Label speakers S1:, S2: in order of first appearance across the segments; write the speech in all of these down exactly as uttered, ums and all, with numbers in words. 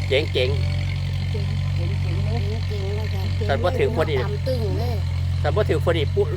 S1: เจ๋งเจ๋งแต่พอถือคนอีกแต่พอถือคนอีกปุ๊บ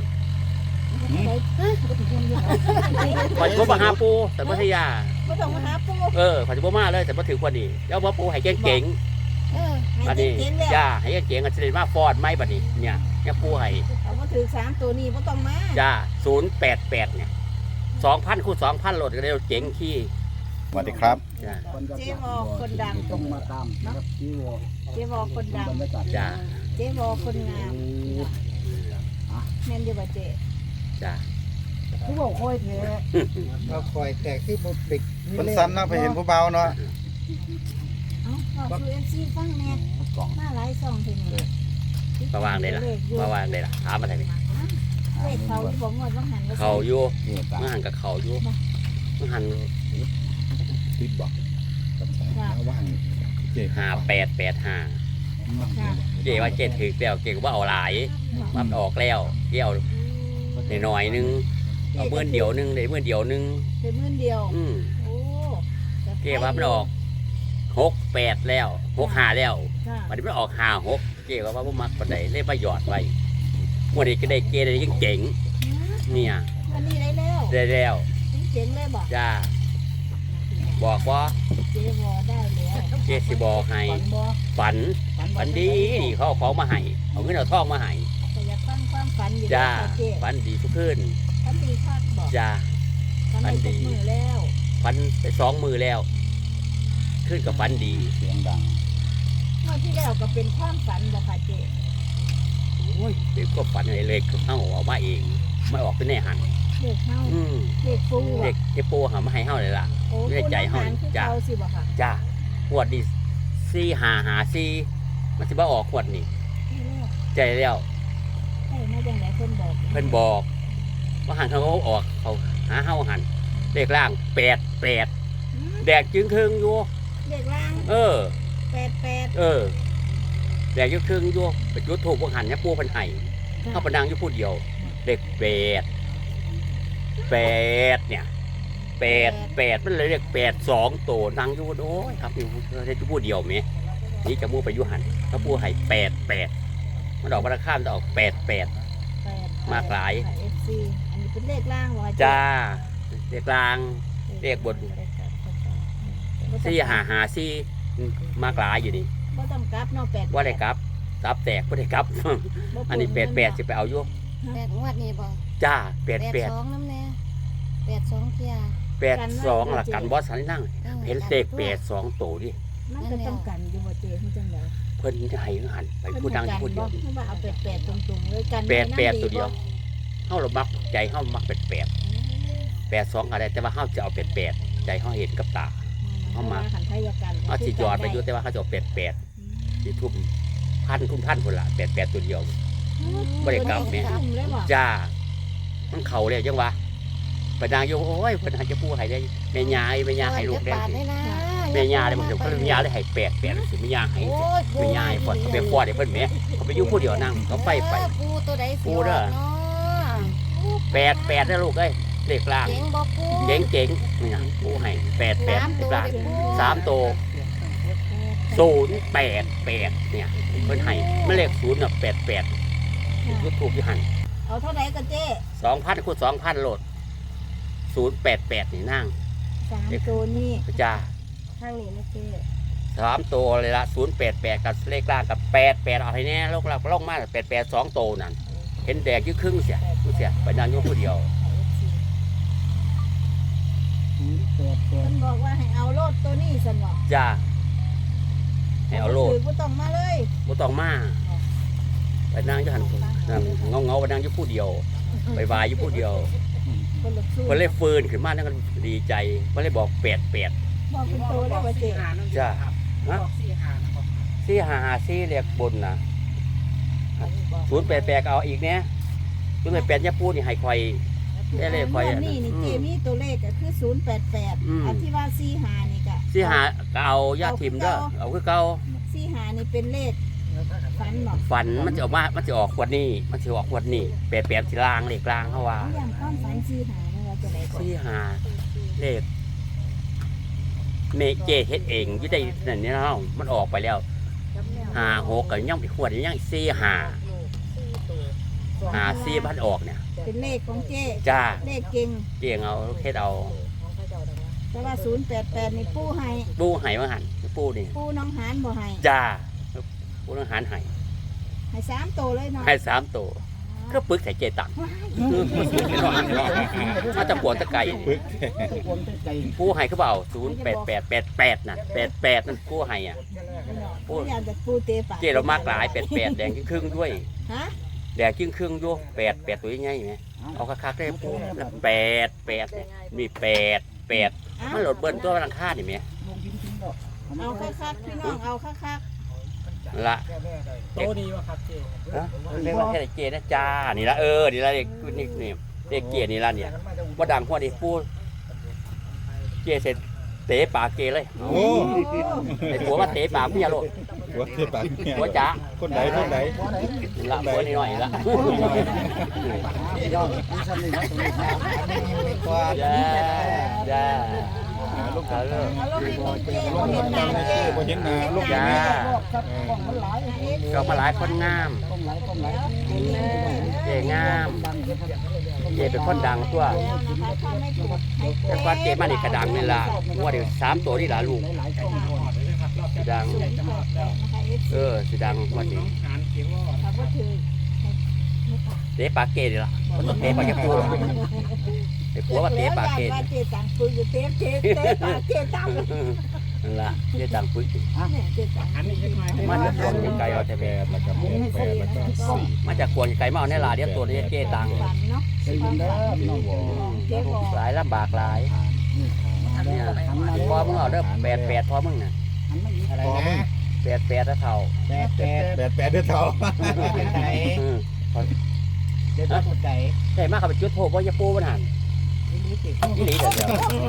S1: ขอจะมาหาปูแต่พัทยา
S2: ไม่ต้องมาหาปู
S1: เออขอจะมาเลยแต่พอถือคนอีกแล้วพอปูให้เจ๋งเจ๋งบัดนี้จ้าให้เจ๋งกันเสด็จมาฟอดไม่บัดนี้เนี่ยเนี่ยปูให้
S2: เอามาถือสามตัวนี้ไม่ต้องมา
S1: จ้าศูนย์แปดแปดเนี่ยสองพันคูณสองพันโหลดกันเลยเจ๋งขี้
S3: สวัสดีครับ
S2: เจ๊วอคนดัง
S3: ต้องมาตามนะครับเจ๊วอ
S2: เจ๊วอคนดัง
S1: จ้า
S2: เจ๊วอคนงามแม่นอยู่บ่เจ๊
S1: จ้า
S2: ผู้บอกคอยเท
S3: เราคอยแต่คือบุปิกคนสั้นนะไปเห็นผู้เบาเนาะ
S2: เอาบอกคือเอ็นซีฟังแน่มาหลายซองทีนี้
S1: มาวางได้ละมาวางได้ละถามมาไหน
S2: เลขเขาที่บอกงวดว่าหัน
S1: เขาอยู่มาหันกับเขาอยู่มาหัน
S3: ติดบอกว่าง
S1: ห้าแปดแปดห้าเจ๊ว่าเจ๊ถือแล้วเจ๊ก็ว่าเอาหลายมันออกแล้วเกี่ยวในหน่อยนึงเอาเมื่อเดียวนึงได้เมื่อเดียวนึง
S2: ได้เมื่อเดียว
S1: อืมเจ๊ว่ามันออกหกแปดแล้วหกห้าแล้ววันนี้มันออกห้าหกเจ๊ว่าว่ามักปันใดเล่นประหยอดไว้วันนี้ก็ได้เจ๊ได้ยังเจ๋งเนี่ย
S2: วันนี้ได้แล้ว
S1: ได้แล้ว
S2: เจ๋งเลยบอก
S1: จ้าบอกว่า
S2: เจ๊วอได้แล้ว
S1: เจ๊สิบอกให้ฝันฝันดีเขาเอาของมาให้เอาเงินเอาทองมาให้
S2: แต่อยากฟังความฝันอยู่
S1: จ้าฝันดีทุกคืน
S2: ฝันดีคักบอก
S1: จ้า
S2: ฝันดีมือแล้ว
S1: ฝันไปสองมือแล้วขึ้นกับฝันดี
S3: เสียงดัง
S2: เมื่อที่แล้วก็เป็นความฝันบอกค่ะเจ๊
S1: โอ้ยเด็กก็ฝันอะไรเลยเข้าออกมาเองไม่ออกเป็นแน่หัน
S2: เด็กเข้าเด็กปู
S1: เด็กเด็กปูหามาให้เข้าเลยล่ะไม่ได้ใจเข้าจ้าจ้าขวดดีซี่หาหาซี่มันจะบ้าออกขวดนี่ใจแล้ว
S2: ใช่ไม่จังไหนเพิ่นบอก
S1: เพิ่นบอกว่าหันเขาออกเขาหาเข้าหันเด็กล่างแปดแปดแดกจึงครึ่งอยู่
S2: เด็กล่าง
S1: เออ
S2: แปดแปด
S1: เออแดกจึงครึ่งอยู่ไปจุดถูกพวกหันเนี่ยปูเพิ่นให้เข้าไปนั่งอยู่ผู้เดียวเด็กแปดแปดเนี่ยแปดแปดมันเลยเรียกแปดสองโตนั่งอยู่โอ้ยครับอยู่ได้จะพูดเดียวไหมนี่จะมูไปยุหันเขาพูดให้แปดแปดมันออกมาข้ามจะออกแปดแปดมากหลาย
S2: อันนี้เป็นเลขล่างวะ
S1: จ้าเลขล่างเลขบนซี่หาหาซี่มากหลายอยู่นี่
S2: ว่าต้องกลับเนาะแปด
S1: ว่าได้กลับกลับแตกไม่ได้กลับอันนี้แปดแปดจะไปเอายุ
S4: แปดงวดนี่บ่
S1: จ้าแปดแปด
S4: สองน้ำแน่แปดสองเทีย
S1: แปดสองหลักกันบอสสันนั่งเห็นเลขแปดสองโตดิ
S2: มันก็ต้องกันอยู่บ่เจ๊ที่จังได
S1: เพิ่นจะให้หันไปพูดดังพูดเดียว
S2: เพราะว่าเอาแปดแปดตรงๆเลยกัน
S1: แปดแปดตัวเดียวเฮาเรามักใจเฮามักแปดแปดแปดสองอะไรแต่ว่าเฮาจะเอาแปดแปดใจเฮาเห็นกับตาเฮามาเอาสิยอดไปอยู่แต่ว่าเฮาจะเอาแปดแปดสิทุ่มพันทุ่มพันพุ่นละแปดแปดตัวเดียวบ่ได้กลับแม่จ้ามันเข่าเลยจังวะไปนางโยโอ้ยเพิ่นหาจะปูให้ได้แม่ยาแม่ยาให้ลูกได้แม่ยาได้บ่ถึงเพิ่นแม่ยาได้ให้แปดแปดสิแม่ยาให้แม่ยาให้ก่อนเขาไปฟอดให้เพิ่นแม่เขาไปอยู่ผู้เดียวนั่งเขาไปไป
S4: ปูตัวใดสิ
S1: ปูเด้อแปดแปดนะลูกเอ้ยเลขล่างเจ๋งเจ๋งนี่นะปูให้แปดแปดเลขล่างสามตัวศูนย์แปดแปดเนี่ยเพิ่นให้มันเลขศูนย์น่ะแปดแปดยุดถูกอยู่หัน
S2: เอาเท่าไหร่กันเจ๊
S1: สองพันคูณสองพันโหลดศูนย์แปดแปดนี่นั่ง
S2: สามตัวนี่
S1: จ้า
S2: ทางนี้นะเจ๊
S1: สามตัวเลยละศูนย์แปดแปดกับเลขล่างกับแปดแปดเอาให้แน่โลกเราโลกมากแปดแปดสองตัวนั่นเห็นแดกยี่ครึ่งเสียเสียไปนั่งอยู่ผู้เดียว
S2: มันบอกว่าให้เอาโลดตัวนี้สนอ
S1: จ้าให้เอาโลด
S2: บ่ต้องมาเลย
S1: บ่ต้องมาไปนั่งอยู่หันนั่งเงาเงาไปนั่งอยู่ผู้เดียวไปวายอยู่ผู้เดียวคนเล่ฟื้นขึ้นมานั่นก็ดีใจมันเลยบอกแปดแปด
S2: บอกเป็นตัวแล้วว่าเจ๊
S1: จ้าฮะซี่หาหาซี่เรียกบนนะศูนย์แปดแปดเอาอีกเนี้ยศูนย์แปดแปดยาปูนี่ให้คอยได้เลยคอย
S2: นี่นี่เจมี่ตัวเลขก็คือศูนย์แปดแปดอันที่ว่าซี่หานี่ก็
S1: ซี่หาเอายาทิมเด้อเอาคือเก่า
S2: ซี่หานี่เป็นเลขฝันบอก
S1: ฝันมันจะออกมามันจะออกขวดนี่มันจะออกขวดนี่แปดแปดที่ล่างเลขล่างเขาว่า
S2: อย่างความฝันซี่หาเนี่ยเราจะไหนก่อน
S1: ซี่หาเลขเมเจเฮ็ดเองอยู่ได้นั่นนี่เนาะมันออกไปแล้วห้าหกก็ยังไปขวดยังสี่ห้าห้าสี่พันออกเนี่ย
S2: เป็นเลขของเจ๊
S1: จ้า
S2: เลขเก่ง
S1: เจียงเอาเฮ็ดเอา
S2: แต่ว่าศูนย์แปดแปดนี่ปูให้
S1: ปูไห้มาหันปูนี่
S2: ปูน้องหานบ่ให้
S1: จ้าปูต้องหารไห้
S2: ให้สามโตเลยเนาะ
S1: ให้สามตัวก็ปึกใส่เจตังมาจะปวดตะไก่ปูไห้เขาเปล่าศูนย์แปดแปดแปดแปดน่ะแปดแปดนั่นปูไห้อ่ะ
S2: ปูอยากจะปูเตะปาก
S1: เจเรามากหลายแปดแปดแดงครึ่งๆด้วย
S2: ฮะ
S1: แดงครึ่งครึ่งๆด้วยแปดแปดตัวใหญ่ไหมเอาคักๆได้ปูแล้วแปดแปดเนี่ยมีแปดแปดมันหลดเบิ้ลตัวรังค่าดิไหม
S2: เอาคักๆพี่น้องเอาคัก
S1: ละ
S5: โตดีวะครับเจ๊
S1: นะเรียกว่าแค่เจนะจ้านี่ละเออนี่ละเด็กนี่นี่เด็กเจนี่ละเนี่ยว่าดังหัวดิปูเจเสร็จเตะปากเกเลย
S3: โอ้
S1: ไอ้ผัวมาเตะปากเมียโลด
S3: หัวเทปากเนี่ย
S1: ผัวจ๋า
S3: คนใดคนใด
S1: ละผัวนิดหน่อยละ
S3: ยอดนี่ชั้นนี่นะตรงนี้ครับไม่กวาด
S1: จ้าจ้า
S3: ลูก
S1: เอาเลย
S2: ๆเอาลงให้ของเจ๊
S3: ลูก
S2: เห็นหน้า
S3: ไม่
S2: เจ๊
S3: ใช่บ่เห็นหน้าลูก
S1: จ้า
S2: มันหลายอันนี้
S1: ก็มาหลายคนงาม เจงาม เจเป็นคนดังตัว
S2: แล้วนะคะถ้าไม่ถูกให้
S1: แต่ก่อนเจมานี่กระดังนี่ละว่าเดี๋ยวสามตัวนี่ละลูกสิดัง
S2: ศูนย์แปดแปดนะคะ เอฟ
S1: เอ
S2: ซี
S1: อสิดังวันนี้
S5: หานเขียนว่า
S2: ถ้าบ่ถือ
S1: เตะปากเกนี่ละมันต้องเตะปากแกปูไอ้ผัวมาเตะปากเก
S2: แล้วว่าเจ๊ตังปืนอยู่เตะเตะเตะปากเจ๊ตัง
S1: นั่นละเจดังปึ๊ก
S2: เนี่ยเจ๊ตัง
S5: หันนี่ยังไง
S1: มันจะควงไกลเอาแต่แบ
S3: แปดแล้วก็แปดแปดแล้วก็สี่
S1: มาจากควงไกลมาเอาในลาเดียวตัวนี้เจตัง
S2: ฝันเนาะ
S3: ได้ยินเด้อพี่น้องบอก
S2: เจ๊บอก
S1: หลายลำบากหลายเนี่ยพอมึงเอาเด้อแปดแปดพอมึงน่ะ
S3: อะไรนะ
S1: แปดแปดแล้วเท่า
S3: แปดแปดแปดแปดเด้อเท่า
S1: อืม
S3: เด้อเท่าใจ
S1: ใช่มากเขาไปจุดโทษว่าจะปูมันหันนี่หลีเดี๋ยวเดี๋ยว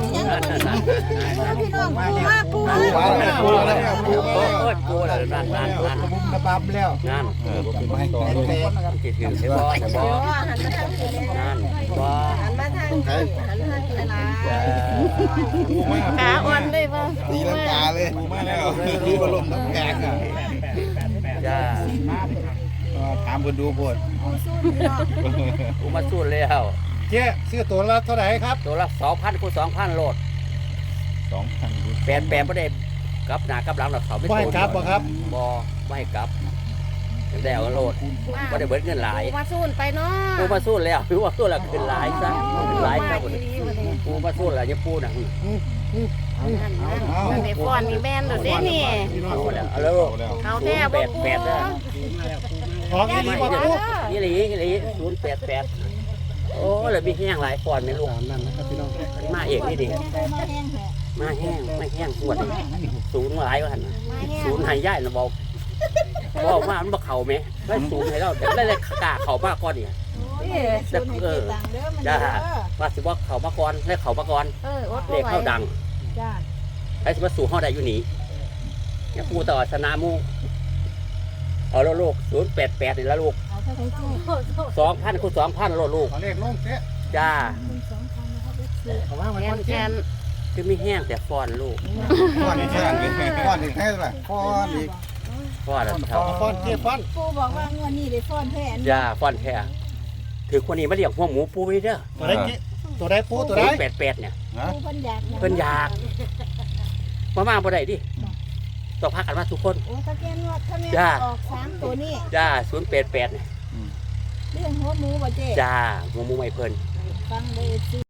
S2: พี่น้องปูมาปูมา
S3: ปูแล้วปูแล้วปู
S1: โอ้
S3: แล้ว
S1: ยปูแล้วนั่นนั่นนั่น
S3: บุ้มระบำแล้ว
S1: นั่น
S3: เออบ่เป็นไม่ต่อเลย
S1: จิตถึงใช่บ่ใช่บ่นั่นบ่
S4: หันมาทางหันมาทางกีฬา
S3: ขา
S4: ขาอ่อนเลยป่ะ
S3: ตีลังกาเลยปูมาแล้วดูบอลมน้ำแข็งอ่ะ
S1: จ้า
S3: ถามคนดูโพด
S1: ปูมาสู้แล้ว
S3: เจ๊ซื้อตัวละเท่าไหร่ครับ
S1: ตัวละสองพันคูณสองพันโลด
S3: สองพัน
S1: แปดแปดไม่ได้กลับหน้ากลับหลังหรอกเขาไม่
S3: ไม่ครับบ่ครับ
S1: บ่ไม่กลับได้เอาโลดไม่ได้เบิดเงินหลาย
S4: มาสู้ไปเนาะ
S1: ปูมาสู้แล้วปูมาสู้แล้วขึ้นหลายซะขึ้นหลายซะปูมาสู้แล้วจะปูน่ะ
S4: นั่นนั่นในฟอนมีแบนดูเด้นี่
S1: เอาแล้วเอาแล้ว
S4: เขาแท้
S1: แป
S4: บ่
S1: ด
S4: ปู
S1: แปดนะ
S3: ของดีบ่ปู
S1: ยี่หลียี่หลีศูนย์แปดแปดโอ้เลยมีแห้งหลายฟอนไหมลูก
S3: นั่นนะครับพี่น้อง
S1: มาเอกนี่ดิ
S2: มาแห้งแหละ
S1: มาแห้งไม่แห้งปวดศูนย์หลายว่าหัน
S4: มาแห้ง
S1: ศูนย์หายย่ายนะบอกบอกว่ามันบ่เข่าไหมได้ศูนย์ให้เราแต่ได้เลยกล้าเข่ามากก่อนนี่
S2: แต่เออตังเด้อมันเด้อ
S1: ว่าสิว่าเข่ามาก่อนให้เข่ามาก่อน
S4: เอออด
S1: เรียก
S4: บ่ไหว
S1: เข้าดัง
S2: จ้า
S1: ไอ้สิว่าสู่ห้อใดอยู่หนีเนี่ยปูต่อสนามูเอาแล้วลูกศูนย์แปดแปดนี่ละลูก
S2: เอาเท่าไหร่เจ๊
S1: สองพันคูณสองพันโลดลูก
S3: ขอเลขลงเจ๊
S1: จ้า
S2: คุณสองพันนะครับเอฟซี
S3: เขาว่าไว้
S4: แก
S3: ก่อน
S4: นแก
S3: เจ๊
S4: น
S1: คือไม่แห้งแต่ฟอนลูก
S3: ก้อนอีกแค่ก้อนอีกแค่ไหนก้อนอีก
S1: ฟอนแล้ว
S3: ฟ
S1: เท่า
S3: อนฟอนเจ๊ฟอน
S2: ปูบอกว่างวดนี้ได้ฟ้อนแทน
S1: จ้าฟอนแท้ถือคนนี้มาเลี้ยงหัวหมูปูไว้เด้อ
S3: ตัวได้เจ๊ตัวได้ปูตัวได้
S1: แปดแปดเนี่ย
S3: ฮะ
S2: ปูเพิ่นอยาก
S1: เพิ่นอยาก มามาบ่ได้ดิต้องพักกันมาทุกคน
S2: โอ้ถ้าแกนวดถ้าแม่
S1: จ้า
S2: ออกสามตัวนี้
S1: จ้าศูนย์แปดแปดเนี่ย
S2: เรื่องหัวหมูบ่เจ๊
S1: จ้าหัวหมูไม่เพิ่น
S2: ฟังเลยสิ